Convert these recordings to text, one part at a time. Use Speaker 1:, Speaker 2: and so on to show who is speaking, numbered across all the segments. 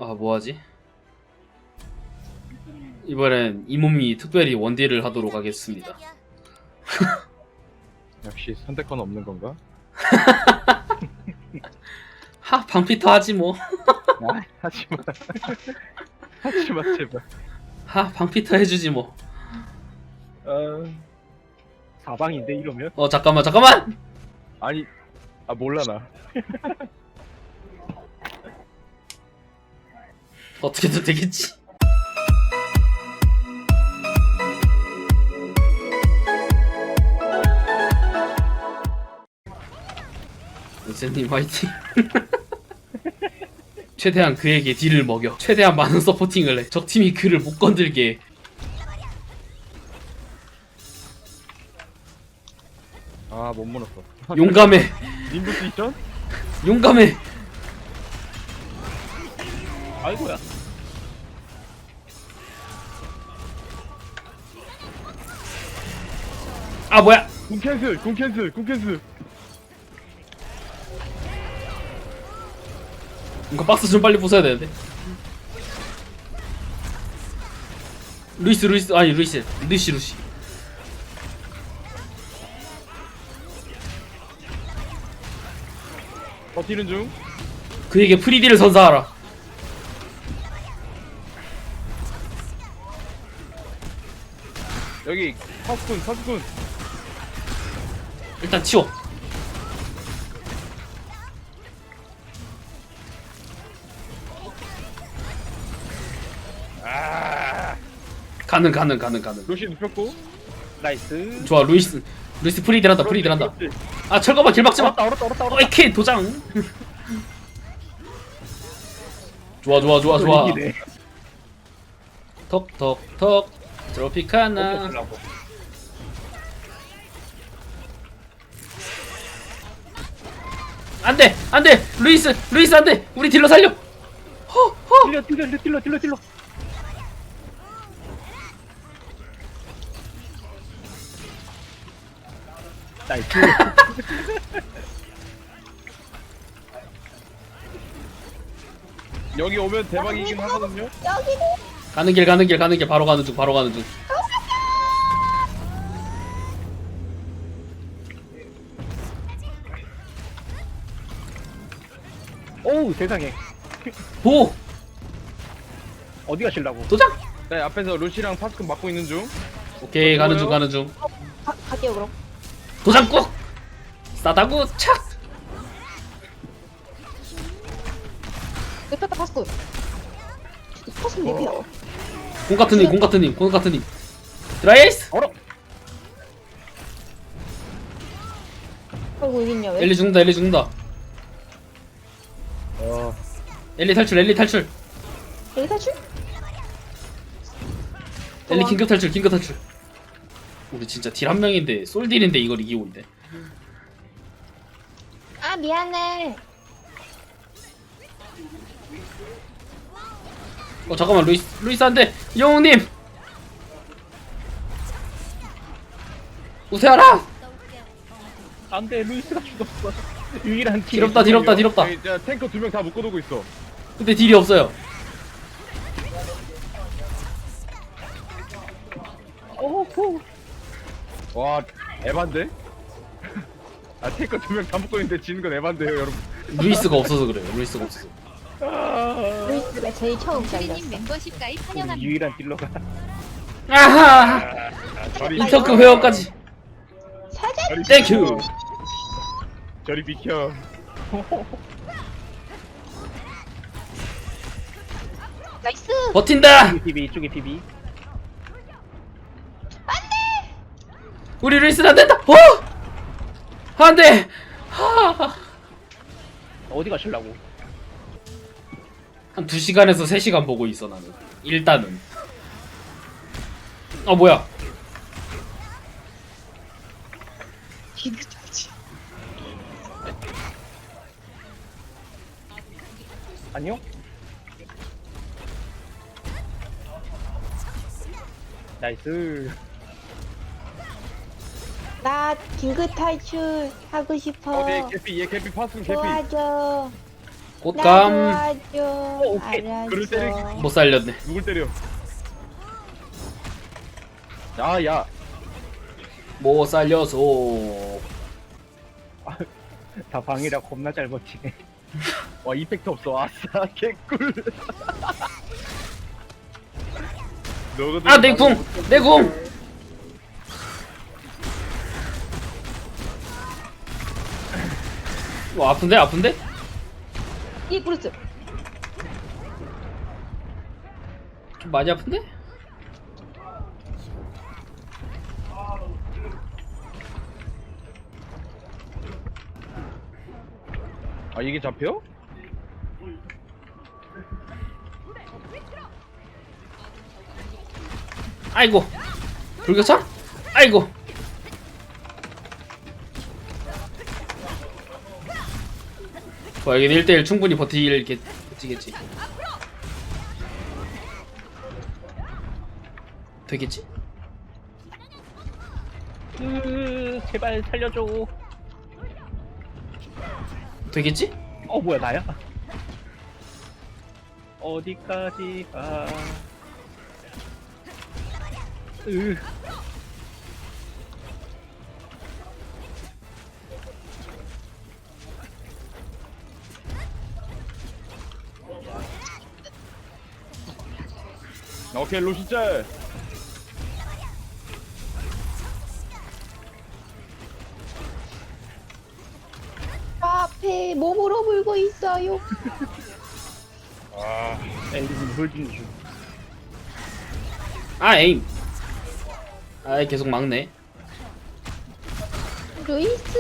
Speaker 1: 아, 뭐하지? 이번엔 이 몸이 특별히 원딜을 하도록 하겠습니다.
Speaker 2: 역시 선택권 없는 건가?
Speaker 1: 하, 방피터 하지 뭐.
Speaker 2: 아, 하지마. 하지마 제발.
Speaker 1: 하, 방피터 해주지 뭐.
Speaker 2: 사방인데 이러면?
Speaker 1: 잠깐만, 잠깐만!
Speaker 2: 아니, 아 몰라 나.
Speaker 1: 어떻게든 되겠지. 쌤님 화이팅. 최대한 그에게 딜을 먹여 최대한 많은 서포팅을 해. 적팀이 그를 못 건들게 해.
Speaker 2: 아 못 물었어.
Speaker 1: 용감해.
Speaker 2: 님부스 있전?
Speaker 1: 용감해.
Speaker 2: 아이고야.
Speaker 1: 아, 뭐야.
Speaker 2: 궁 캔슬, 궁 캔슬, 궁 캔슬.
Speaker 1: 이거 박스 좀 빨리 부숴야 되는데. 루이스 아니 루이시.
Speaker 2: 버티는 중.
Speaker 1: 그에게 프리디를 선사하라.
Speaker 2: 여기 사스군.
Speaker 1: 일단 치워. 가능.
Speaker 2: 로시 눕혔고. 나이스.
Speaker 1: 좋아, 루이스 프리딜 한다. 아, 철거만 길 막지 마.
Speaker 2: 얼었다.
Speaker 1: 이케 도장. 좋아.
Speaker 2: 이기네.
Speaker 1: 톡톡톡 트로피카나. 안돼 루이스 안돼. 우리 딜러 살려. 허.
Speaker 2: 딜러. 나이스. 여기 오면 대박이긴 하거든요.
Speaker 1: 가는 길 바로 가는 중.
Speaker 3: 오우 세상에
Speaker 1: 보
Speaker 3: 어디 가실라고?
Speaker 1: 도장.
Speaker 2: 네 앞에서 루시랑 파스크 막고 있는 중.
Speaker 1: 오케이, 가는 중.
Speaker 4: 갈게요 그럼.
Speaker 1: 도장 꾹. 싸다구 착.
Speaker 4: lep다 파스도. 파스 lep이야.
Speaker 1: 공 같은 님. 드라이스.
Speaker 3: 얼어.
Speaker 4: 아이고 여기 있냐 왜?
Speaker 1: 엘리 죽는다. 엘리 탈출.
Speaker 4: 여기 탈출?
Speaker 1: 엘리 긴급 탈출. 우리 진짜 딜 한 명인데 솔딜인데 이걸 이기고 있네.
Speaker 4: 아 미안해.
Speaker 1: 잠깐만, 루이스 안돼. 영웅님 우세하라.
Speaker 3: 안돼 루이스가 죽었어. 유일한 킬.
Speaker 1: 딜 없다.
Speaker 2: 여기 탱커 2명 다 묶어두고 있어.
Speaker 1: 근데 딜이 없어요.
Speaker 3: 오호.
Speaker 2: 와 에반데? 아 탱커 2명 다 묶고 있는데 지는 건 에반데요 여러분.
Speaker 1: 루이스가 없어서 그래요. 루이스가 없어서.
Speaker 4: 루이스가 제일 처음 잘렸어.
Speaker 5: 님 멤버십 가입
Speaker 3: 우리
Speaker 5: 환영합니다.
Speaker 3: 유일한 딜러가.
Speaker 1: 아하.
Speaker 2: 저리
Speaker 1: 인터크 회원까지.
Speaker 4: 사자.
Speaker 1: 땡큐.
Speaker 2: 저리 비켜.
Speaker 4: 나이스.
Speaker 1: 버틴다.
Speaker 3: 이쪽에 PB.
Speaker 1: 우리 루이스는 안 된다. 안 돼.
Speaker 3: 어디 가실라고?
Speaker 1: 한 2시간에서 3시간 보고 있어 나는. 일단은. 뭐야?
Speaker 3: 안녕? 나이스.
Speaker 4: 나 긴급 탈출 하고 싶어.
Speaker 2: 얘 개피 파스크 개피.
Speaker 4: 도와줘.
Speaker 1: 꽃감
Speaker 4: 도와줘.
Speaker 3: 오케이.
Speaker 2: 그를 때리기.
Speaker 4: 알았어.
Speaker 1: 못 살렸네.
Speaker 2: 누굴 때려? 야.
Speaker 1: 못 살려서.
Speaker 3: 다 방이라 겁나 잘 버티네.
Speaker 2: 와 이펙트 없어. 아싸 개꿀. 너거든.
Speaker 1: 아, 내 궁! 내 궁! 아픈데? 아픈데?
Speaker 4: 이 브루스.
Speaker 1: 좀 많이 아픈데?
Speaker 2: 아 이게 잡혀?
Speaker 1: 아이고. 불교차? 아이고. 좋아, 여기 1대1 충분히 버티겠지. 되겠지?
Speaker 3: 제발 살려줘.
Speaker 1: 되겠지?
Speaker 3: 뭐야 나야? 어디까지 가?
Speaker 2: 오케이 루시짤.
Speaker 4: 앞에 몸으로 물고 있어요.
Speaker 3: 엔딩 홀딩 중.
Speaker 1: 아, 에임. 아이, 계속 막네.
Speaker 4: 루이스.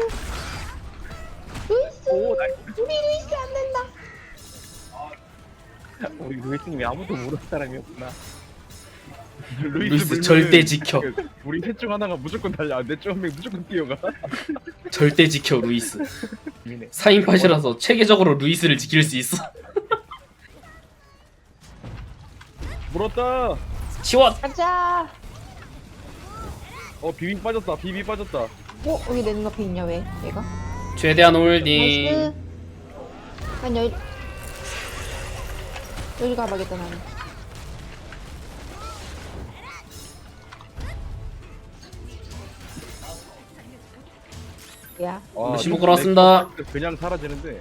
Speaker 4: 루이스.
Speaker 3: 오 나이스.
Speaker 4: 우리 루이스 안 된다.
Speaker 3: 우리 루이스님이 아무도 모르는 사람이었구나.
Speaker 1: 루이스
Speaker 2: 물면은
Speaker 1: 절대 지켜.
Speaker 2: 우리 셋 중 하나가 무조건 달려. 내 중 한 명 무조건 뛰어가.
Speaker 1: 절대 지켜, 루이스.
Speaker 3: 미네.
Speaker 1: 4인팟이라서 체계적으로 루이스를 지킬 수 있어.
Speaker 2: 물었다.
Speaker 1: 치워!
Speaker 4: 가자.
Speaker 2: 비비 빠졌다. 비비 빠졌다.
Speaker 4: 여기 내 눈앞에 있냐 왜? 얘가?
Speaker 1: 최대한 홀딩.
Speaker 4: 나이스. 난 여기 가봐야겠다 나는. 야.
Speaker 1: 신고 걸었습니다.
Speaker 2: 그냥 사라지는데.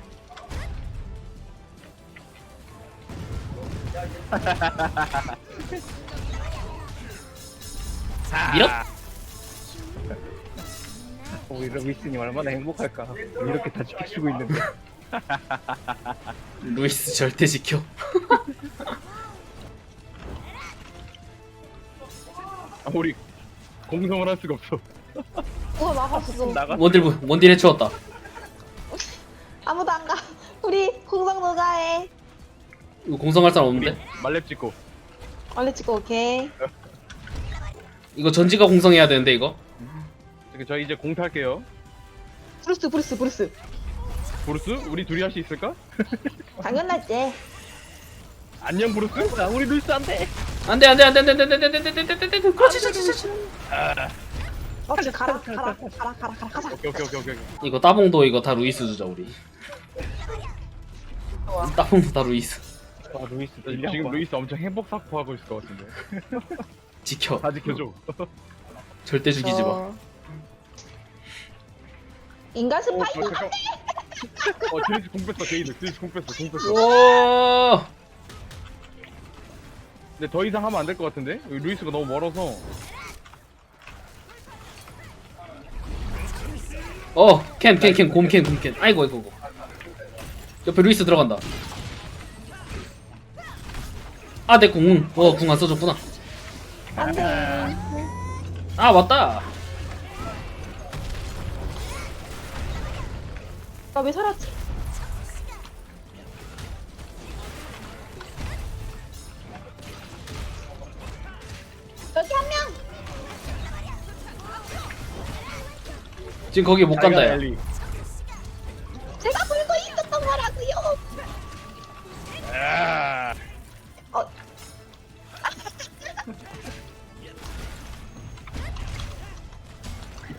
Speaker 1: 밀어!
Speaker 3: 우리 루이스님 얼마나 행복할까. 이렇게 다 지켜주고 있는데.
Speaker 1: 루이스 절대 지켜.
Speaker 2: 우리 공성을 할 수가 없어.
Speaker 4: 우와 막았어.
Speaker 3: 나가.
Speaker 1: 원딜 해치웠다.
Speaker 4: 아무도 안 가. 우리 공성 누가 해?
Speaker 1: 이거 공성할 사람
Speaker 2: 우리
Speaker 1: 없는데?
Speaker 2: 말렙 찍고.
Speaker 4: 원래 찍고 오케이.
Speaker 1: 이거 전지가 공성해야 되는데 이거?
Speaker 2: 저 이제 공 탈게요.
Speaker 4: 브루스.
Speaker 2: 브루스? 우리 둘이 할 수 있을까?
Speaker 4: 당연하지.
Speaker 2: 안녕 브루스?
Speaker 3: 야, 우리 루이스 안 돼.
Speaker 1: 안돼. 그렇지.
Speaker 4: 가라. 가자.
Speaker 2: 오케이.
Speaker 1: 이거 따봉도 이거 다 루이스 주자 우리. 따봉도 다 루이스.
Speaker 3: 와 루이스
Speaker 2: 지금 루이스 엄청 행복 사포하고 있을 것 같은데.
Speaker 1: 지켜.
Speaker 2: 다 지켜줘.
Speaker 1: 절대 죽이지 마.
Speaker 4: 인간 스파이더.
Speaker 2: 잠깐. 드리스 공 뺐어. 드리스 공 뺐어.
Speaker 1: 오.
Speaker 2: 근데 더 이상 하면 안 될 것 같은데? 여기 루이스가 너무 멀어서.
Speaker 1: 곰캔. 아이고. 옆에 루이스 들어간다. 아, 내 궁. 궁 안 써줬구나.
Speaker 4: 안돼.
Speaker 1: 아, 맞다.
Speaker 4: 나 왜 살았지? 여기 한 명.
Speaker 1: 지금 거기 못 간다. 야.
Speaker 2: 엘리.
Speaker 4: 제가 불고 있었던 거라고요.
Speaker 2: 아.
Speaker 4: 어.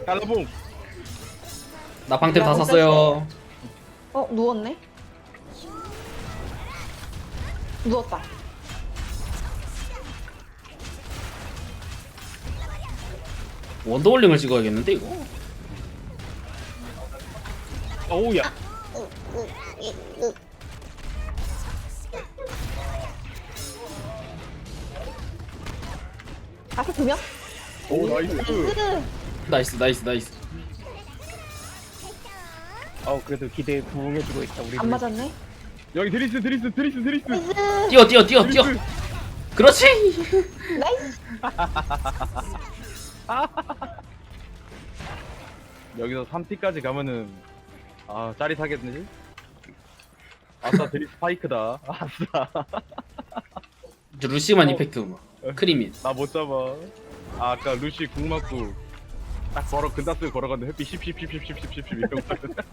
Speaker 2: 달라봉.
Speaker 1: 나 방템 다 샀어요.
Speaker 4: 누웠네. 누웠다.
Speaker 1: 원더월링을 찍어야겠는데 이거.
Speaker 3: 어우야.
Speaker 4: 앞에 두 명?
Speaker 2: 오 나이스.
Speaker 1: 나이스 나이스 나이스.
Speaker 3: 그래도 기대에 부응해주고 있다 우리.
Speaker 4: 안 맞았네.
Speaker 2: 여기 드리스.
Speaker 4: 나이스.
Speaker 1: 뛰어 뛰어 뛰어 뛰어. 그렇지.
Speaker 4: 나이스.
Speaker 2: 여기서 3T까지 가면은 아 짜릿하겠는지? 아싸 드리스 파이크다. 아싸.
Speaker 1: 저 루시만 이펙트 뭐. 크리밋.
Speaker 2: 나 못 잡아. 아, 아까 루시 궁 맞고 딱 근다스 걸어갔는데 햇빛 10 이런 거.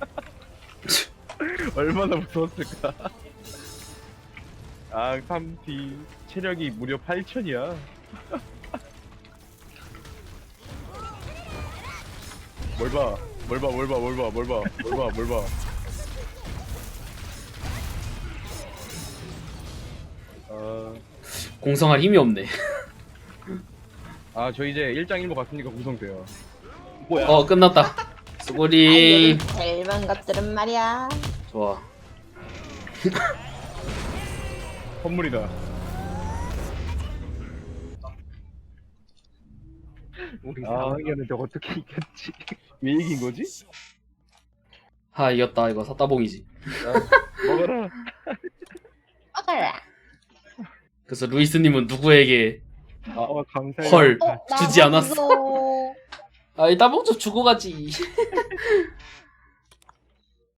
Speaker 2: 얼마나 무서웠을까. 아 3T 체력이 무려 8,000이야. 뭘 봐.
Speaker 1: 공성할 힘이 없네.
Speaker 2: 저 이제 1장 1모 갔으니까 구성돼요.
Speaker 3: 뭐야?
Speaker 1: 끝났다. 수고리.
Speaker 4: 젊은 것들은 말이야.
Speaker 1: 좋아.
Speaker 2: 선물이다.
Speaker 3: 우리 상황이었는데 어떻게 이겼지?
Speaker 2: 왜 이긴 거지?
Speaker 1: 하 이겼다 이거 사따봉이지.
Speaker 2: 먹어라.
Speaker 4: 먹어라.
Speaker 1: 그래서 루이스님은 누구에게
Speaker 3: 감사해요.
Speaker 1: 헐
Speaker 4: 나
Speaker 1: 주지 않았어.
Speaker 4: 먹어.
Speaker 1: 아 이 따봉 좀 주고 가지.